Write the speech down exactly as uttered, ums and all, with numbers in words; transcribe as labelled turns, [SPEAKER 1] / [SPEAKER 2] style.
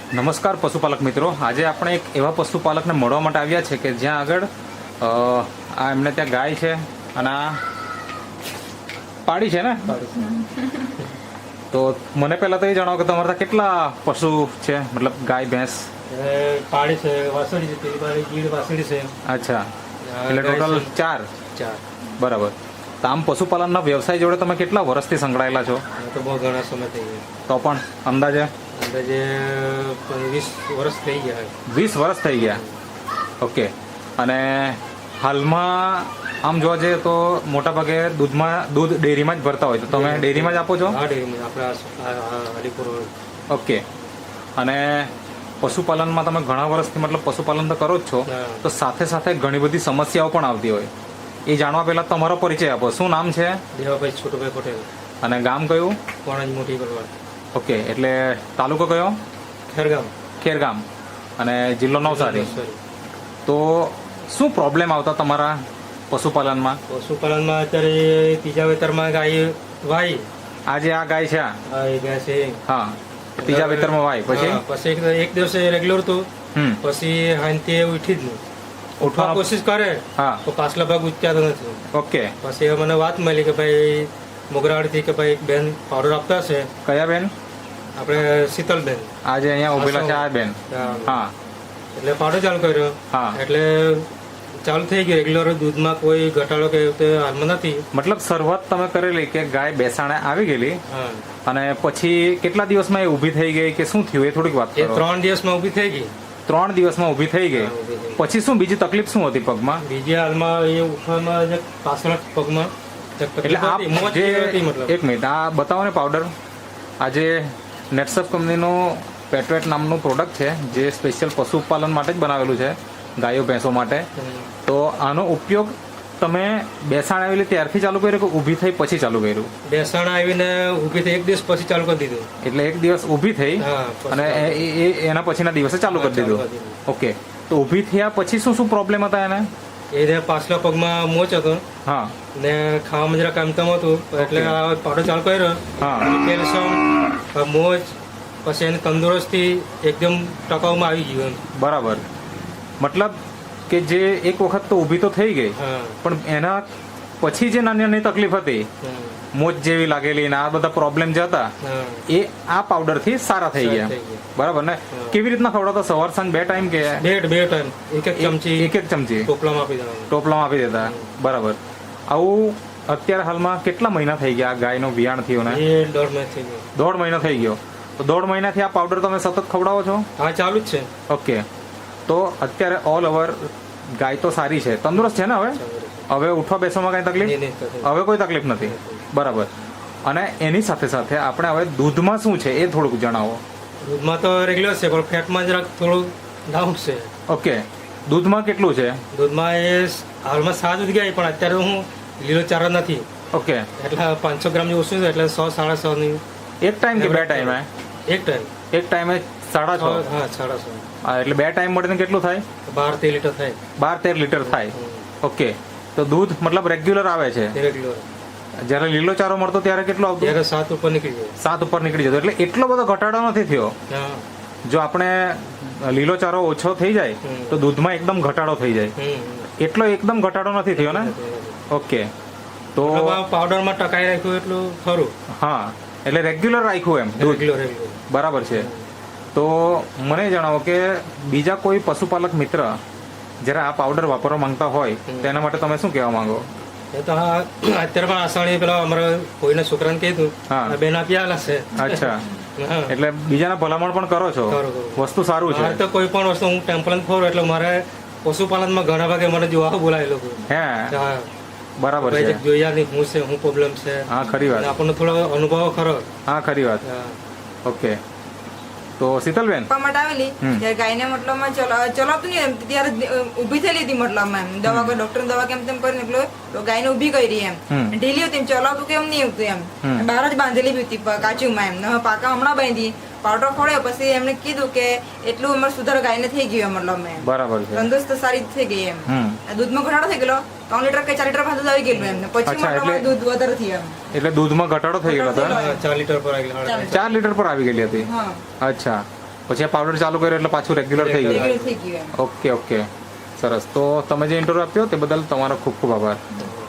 [SPEAKER 1] નમસ્કાર પશુપાલક મિત્રો, આજે આપણે એક એવા પશુપાલકને મળવા માટે આવ્યા છે કે જ્યાં આગળ આ એમને ત્યાં ગાય છે અને આ પાડી છે ને. તો મને પહેલા તો એ જણાવો કે તમારા ત્યાં કેટલા પશુ છે, મતલબ ગાય ભેંસ?
[SPEAKER 2] પાડી છે, વાસળી છે, પેલી ગીર વાસળી છે.
[SPEAKER 1] અચ્છા, એટલે ટોટલ ચાર.
[SPEAKER 2] ચાર
[SPEAKER 1] બરાબર. તો આમ પશુપાલનના વ્યવસાય જોડે તમે કેટલા વર્ષથી સંકળાયેલા છો?
[SPEAKER 2] તો બહુ ઘણા સમય થઈ ગયા.
[SPEAKER 1] તો પણ અંદાજે
[SPEAKER 2] અંદાજે વીસ વર્ષ થઈ ગયા.
[SPEAKER 1] વીસ વર્ષ થઈ ગયા. ઓકે. અને હાલમાં આમ જોવા જઈએ તો મોટા ભાગે દૂધમાં દૂધ ડેરીમાં જ ભરતા હોય, તો તમે ડેરીમાં જ આપો છો?
[SPEAKER 2] હા, ડેરીમાં આપણા હરિપુર.
[SPEAKER 1] ઓકે. અને પશુપાલનમાં તમે ઘણા વર્ષથી મતલબ પશુપાલન તો કરો જ છો, તો સાથે સાથે ઘણી બધી સમસ્યાઓ પણ આવતી હોય. એ જાણવા પહેલા તમારો પરિચય આપો. શું નામ છે?
[SPEAKER 2] દેવાભાઈ છોટુભાઈ પટેલ.
[SPEAKER 1] અને ગામ કયું?
[SPEAKER 2] કોણજ મોટી કરવાડ.
[SPEAKER 1] ઓકે, એટલે તાલુકો કયો?
[SPEAKER 2] ખેરગામ.
[SPEAKER 1] ખેરગામ. અને જિલ્લો નવસારી. તો શું પ્રોબ્લેમ આવતા તમારા પશુપાલનમાં?
[SPEAKER 2] પશુપાલનમાં અત્યારે ત્રીજા વેતરમાં ગાય વાય.
[SPEAKER 1] આજે આ ગાય છે,
[SPEAKER 2] હા એ ગાય છે.
[SPEAKER 1] હા, ત્રીજા વેતરમાં વાય. પછી
[SPEAKER 2] પછી એક દિવસે રેગ્યુલર હતું,
[SPEAKER 1] હમ
[SPEAKER 2] પછી હાંતી ઉઠી જ નહીં. ઉઠવા કોશિશ કરે
[SPEAKER 1] હા
[SPEAKER 2] તો પાછલા ભાગ ઉચક્યા નથી.
[SPEAKER 1] ઓકે.
[SPEAKER 2] પછી મને વાત મળી કે ભાઈ મોગરાવાડીથી કે ભાઈ બેન પાવડર આપતા છે.
[SPEAKER 1] કયા બેન?
[SPEAKER 2] આપણે શીતલબેન.
[SPEAKER 1] આજે અહીંયા ઉભેલા છે આ બેન. હા.
[SPEAKER 2] એટલે પાવડર ચાલુ કર્યો.
[SPEAKER 1] હા.
[SPEAKER 2] એટલે ચાલુ થઈ ગયું રેગ્યુલર. દૂધમાં કોઈ ઘટાડો કે હાલમાં નથી.
[SPEAKER 1] મતલબ શરૂઆત તમે કરેલી કે ગાય બેસાણે આવી ગયેલી,
[SPEAKER 2] હા,
[SPEAKER 1] અને પછી કેટલા દિવસમાં એ ઊભી થઈ ગઈ કે શું થયું એ થોડીક વાત
[SPEAKER 2] એ
[SPEAKER 1] કરો.
[SPEAKER 2] ત્રણ દિવસમાં ઊભી થઈ ગઈ.
[SPEAKER 1] ત્રણ દિવસમાં ઊભી થઈ ગઈ.
[SPEAKER 2] હા, ઊભી થઈ ગઈ.
[SPEAKER 1] પછી શું બીજી તકલીફ શું હતી પગમાં?
[SPEAKER 2] બીજી હાલમાં એ ઉઠવામાં જે પાછળ પગમાં
[SPEAKER 1] એટલે આ જે એક મિનિટ આ બતાવો ને પાવડર. આજે નેટસપ કંપનીનો પેટવેટ નામનું પ્રોડક્ટ છે જે સ્પેશિયલ પશુપાલન માટે જ બનાવેલું છે, ગાયો ભેંસો માટે. તો આનો ઉપયોગ તમે બેસાણ આવેલી ત્યારથી ચાલુ કર્યું કે ઊભી થઈ પછી ચાલુ કર્યું?
[SPEAKER 2] બેસાણ આવીને ઊભી થઈ એક દિવસ પછી ચાલુ કરી દીધું.
[SPEAKER 1] એટલે એક દિવસ ઊભી થઈ
[SPEAKER 2] હા,
[SPEAKER 1] અને એના પછીના દિવસે ચાલુ કરી દીધું. ઓકે. તો ઊભી થયા પછી શું શું પ્રોબ્લેમ હતા એને?
[SPEAKER 2] એને પાછલા પગમાં મોચ હતો.
[SPEAKER 1] હા.
[SPEAKER 2] ને ખાવામાં જરા કામતમ હતું, એટલે આ પાવડર ચાલુ કર્યો.
[SPEAKER 1] હા.
[SPEAKER 2] કેલ્શિયમ, મોચ, પછી એની તંદુરસ્તી એકદમ ટકાઉમાં આવી ગયું.
[SPEAKER 1] બરાબર. મતલબ કે જે એક વખત તો ઊભી તો થઈ ગઈ,
[SPEAKER 2] હા,
[SPEAKER 1] પણ એના પછી જે નાની નાની તકલીફ હતી, મોચ જેવી લાગેલી ને આ બધા પ્રોબ્લેમ જે હતા,
[SPEAKER 2] હા,
[SPEAKER 1] એ આ પાવડર થી સારા થઈ ગયા.
[SPEAKER 2] થઈ ગયા.
[SPEAKER 1] બરાબર ને? કેવી રીતના ખવડાવતા? સવાર સાંજ બે ટાઈમ કે
[SPEAKER 2] બે બે ટાઈમ એક એક ચમચી
[SPEAKER 1] એક એક ચમચી
[SPEAKER 2] ટોપલામાં આપી દેવાનું.
[SPEAKER 1] ટોપલામાં આપી દેતા. બરાબર. આવું અત્યારે હાલમાં કેટલા મહિના થઈ ગયા ગાયનો વિયાણ થયો ને?
[SPEAKER 2] એ દોઢ મહિના થઈ ગયો.
[SPEAKER 1] દોઢ મહિનો થઈ ગયો. તો દોઢ મહિનાથી આ પાવડર તમે સતત ખવડાવો છો?
[SPEAKER 2] હા, ચાલુ જ છે.
[SPEAKER 1] ઓકે. તો અત્યારે ઓલ ઓવર ગાય તો સારી છે, તંદુરસ્ત છે ને? હવે હવે ઉઠવા બેસવામાં કઈ તકલીફ?
[SPEAKER 2] નહીં, નહીં થતી.
[SPEAKER 1] હવે કોઈ તકલીફ નથી. બરાબર. અને એની સાથે સાથે આપણે હવે દૂધમાં શું છે એ થોડુંક જણાવો.
[SPEAKER 2] દૂધમાં તો રેગ્યુલર છે, પણ ફેટમાં જરાક થોડું ડાઉન છે.
[SPEAKER 1] ઓકે. દૂધમાં કેટલું છે?
[SPEAKER 2] દૂધમાં એ હાલમાં સાત જ ગયા, પણ અત્યારે હું લીલો ચારો નથી,
[SPEAKER 1] ઓકે.
[SPEAKER 2] એટલે પાંચસો ગ્રામ જેવું ઓછું છે. એટલે સો સાડા સો ની
[SPEAKER 1] એક ટાઈમ કે બે ટાઈમે?
[SPEAKER 2] એક ટાઈમ.
[SPEAKER 1] એક ટાઈમે સાડા છ.
[SPEAKER 2] હા, સાડા સો.
[SPEAKER 1] હા, એટલે બે ટાઈમ મળીને કેટલું થાય?
[SPEAKER 2] બાર તેર લીટર થાય.
[SPEAKER 1] બાર તેર લીટર થાય. ઓકે. તો દૂધ મતલબ રેગ્યુલર આવે છે?
[SPEAKER 2] રેગ્યુલર.
[SPEAKER 1] જ્યારે લીલો ચારો મળતો ત્યારે કેટલો આવતો?
[SPEAKER 2] ત્યારે સાત ઉપર નીકળી જાય.
[SPEAKER 1] સાત ઉપર નીકળી જતો. એટલે એટલો બધો ઘટાડો નથી થયો.
[SPEAKER 2] હા.
[SPEAKER 1] જો આપણે લીલો ચારો ઓછો થઈ જાય તો દૂધમાં એકદમ ઘટાડો થઈ જાય.
[SPEAKER 2] હમ.
[SPEAKER 1] એટલો એકદમ ઘટાડો નથી થયો ને? ઓકે. તો
[SPEAKER 2] પાવડરમાં ટકાઈ રાખ્યું એટલું ખરું.
[SPEAKER 1] હા, એટલે રેગ્યુલર રાખ્યું એમ દૂધ.
[SPEAKER 2] Regular regular.
[SPEAKER 1] બરાબર છે. તો મને જણાવો કે બીજા કોઈ પશુપાલક મિત્ર જ્યારે આ પાવડર વાપરવા માંગતા હોય તેના માટે તમે શું કહેવા માંગો?
[SPEAKER 2] એ તો હા, અત્યારે પણ આસાણી પેલા અમારા કોઈના છોકરાને કીધું,
[SPEAKER 1] હા,
[SPEAKER 2] બેન આપી આલા છે.
[SPEAKER 1] અચ્છા.
[SPEAKER 2] હા.
[SPEAKER 1] એટલે બીજાને ભલામણ પણ કરો છો?
[SPEAKER 2] કરું, કરું.
[SPEAKER 1] વસ્તુ સારું છે.
[SPEAKER 2] મારે તો કોઈ પણ વસ્તુ હું ટેમ્પલન ખોરું એટલે મારે પશુપાલનમાં ઘણા ભાગે મને જોવા બોલાય લોકો.
[SPEAKER 1] હે?
[SPEAKER 2] હા,
[SPEAKER 1] બરાબર છે.
[SPEAKER 2] જોયા નહીં હું છે, હું પ્રોબ્લેમ છે.
[SPEAKER 1] હા, ખરી વાત.
[SPEAKER 2] આપણને થોડો અનુભવ ખરો.
[SPEAKER 1] હા, ખરી વાત. ઓકે. તો શીતલબેન
[SPEAKER 3] માટે આવેલી ત્યારે ગાયને મતલબમાં ચલાવતું નહીં, ત્યારે ઉભી થયેલી હતી મતલબમાં એમ દવા કોઈ ડોક્ટર દવા કેમ તેમ કરીને એટલે ગાયને ઉભી કરી એમ ઢીલી હતી, ચલાવતું કેમ નહીં આવતું એમ, બહાર જ બાંધેલી બી હતી કાચુમાં એમ. પાકા હમણાં બાંધી પાવડર ખોડ્યો પછી એમને કીધું કે એટલું અમારે સુધારો ગાયને થઈ ગયો મતલબ એમ.
[SPEAKER 1] બરાબર છે.
[SPEAKER 3] તંદુરસ્ત સારી થઈ ગઈ એમ. દૂધમાં ઘટાડો થઈ ગયેલો, ત્રણ લીટર કે ચાર લીટર ભાતું આવી ગયેલું એમ. પછી દૂધ વધારે થયું એમ.
[SPEAKER 1] એટલે દૂધમાં ઘટાડો થઈ ગયેલો હતો?
[SPEAKER 2] ચાર લીટર પર આવી
[SPEAKER 1] ચાર લીટર પર આવી ગયેલી હતી. અચ્છા. પછી આ પાવડર ચાલુ કર્યો એટલે પાછું રેગ્યુલર થઈ ગયું.
[SPEAKER 3] રેગ્યુલર થઈ ગયું એમ.
[SPEAKER 1] ઓકે ઓકે સરસ. તો તમે જે ઇન્ટરવ્યુ આપ્યો તે બદલ તમારો ખૂબ ખૂબ આભાર.